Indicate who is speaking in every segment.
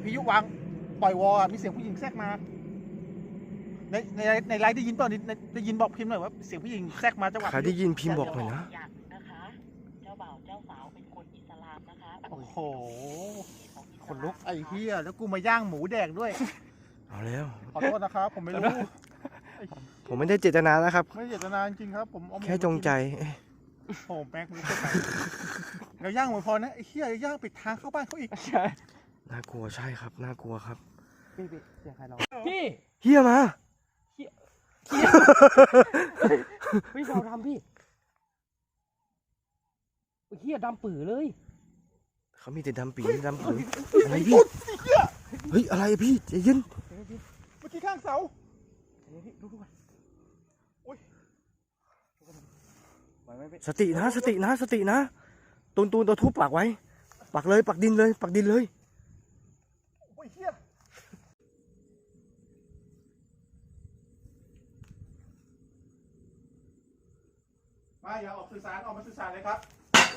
Speaker 1: พิยุวางปล่อยวอมีเสียงผู้หญิงแทรกมาในไลฟ์ได้ยินเปล่าได้ยินบอกพิมพ์หน่อยว่าเสียงผู้หญิงแทรกมาจังหวะ
Speaker 2: ใครได้ยินพิมพ์บอกหน่อยนะ
Speaker 3: นะคะเจ้าบ่าวเจ้าสาวเป็นคนอิสลามนะคะ
Speaker 1: โอ้โหคนลุกไอ้เหี้ยแล้วกูมาย่างหมูแดกด้วย
Speaker 2: เอาแล้ว
Speaker 1: ขอโทษนะครับผมไม่รู้
Speaker 2: ผมไม่ได้เจตนานะครับ
Speaker 1: ไม่เจตนาจริงครับผม
Speaker 2: แค่จงใจ
Speaker 1: โอ้แม็กมึงเราย่างหมูพอนะไอ้เหี้ยย่างปิดทางเข้าบ้านเขาอีกใช่
Speaker 2: น่ากลัวใช่ครับน่ากลัวครับ
Speaker 1: พี่เสียงใครเรา
Speaker 4: พี่
Speaker 2: เฮียมา
Speaker 4: พี่เราทำพี่เฮียดำปื่อเลย
Speaker 2: เขามีแต่ดำปีดำปืนอะไรพี่เฮ้ยอะไรพี่ใจเย็น
Speaker 1: เมื่อกี้ข้างเสา
Speaker 2: สตินะสตินะสตินะตูนตัวทุบปักไว้ปักเลยปักดินเลยปักดินเลย
Speaker 1: โอ้ยเฮียมาอย่าออกสื่อสารออกมาสื่อสารเลยครับ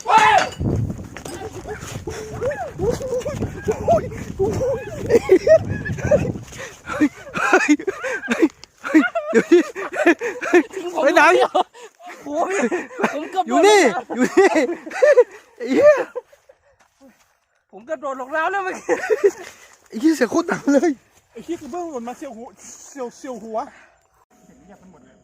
Speaker 2: เดี๋ยวนี้ไปไหน
Speaker 4: โอ้ยผมเกือบ
Speaker 2: อยู่นี่อยู่นี่เฮีย
Speaker 4: ผมกระโดดลงน้ำแล้วเมื่อกี้
Speaker 2: ไอ้เฮียเสียโคตรหนักเลย
Speaker 1: ไอ้เฮียคือเบื้องหล่นมาเสียวหัวเสียวหัวเห็นเงียบกันหมดเลย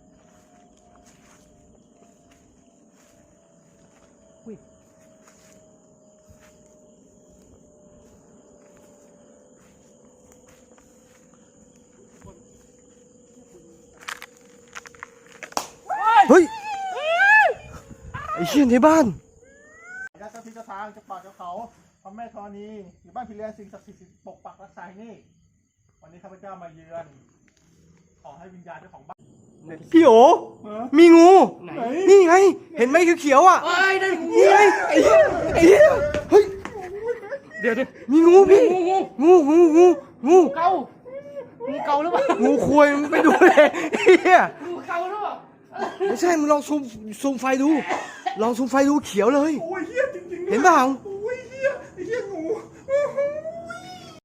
Speaker 2: เฮ้ยไอ้เชี่ยในบ้าน
Speaker 1: ญาติเจ้าที่เจ้าทางเจ้าป่าเจ้าเขาพระแม่ธรณีอยู่บ้านพิเรนสิ่งศักดิ์สิทธิ์ปกปักรักษานี่วันนี้ข้าพเจ้ามาเยือนขอให้วิญญาณเจ้าของบ้าน
Speaker 2: พี่โอมีงูนี่ไงเห็นไหมเขียวๆอ่ะนี่ไงไอ้เหี้ยเฮ้ย
Speaker 4: เดี๋ยว
Speaker 2: มีงูพี่งู
Speaker 4: เกางูเกาหรือเปล่า
Speaker 2: งูควายมึงไปดูเลยเฮีย
Speaker 4: งูเกาหรือเปล่า
Speaker 2: ไม่ใช่มึงลองซูมไฟดูลองซูมไฟดูเขียวเลย
Speaker 1: โอ้ยเฮียจริงๆ
Speaker 2: เห็นเปล่า
Speaker 1: โอ้ยเฮียไอ้เฮียงู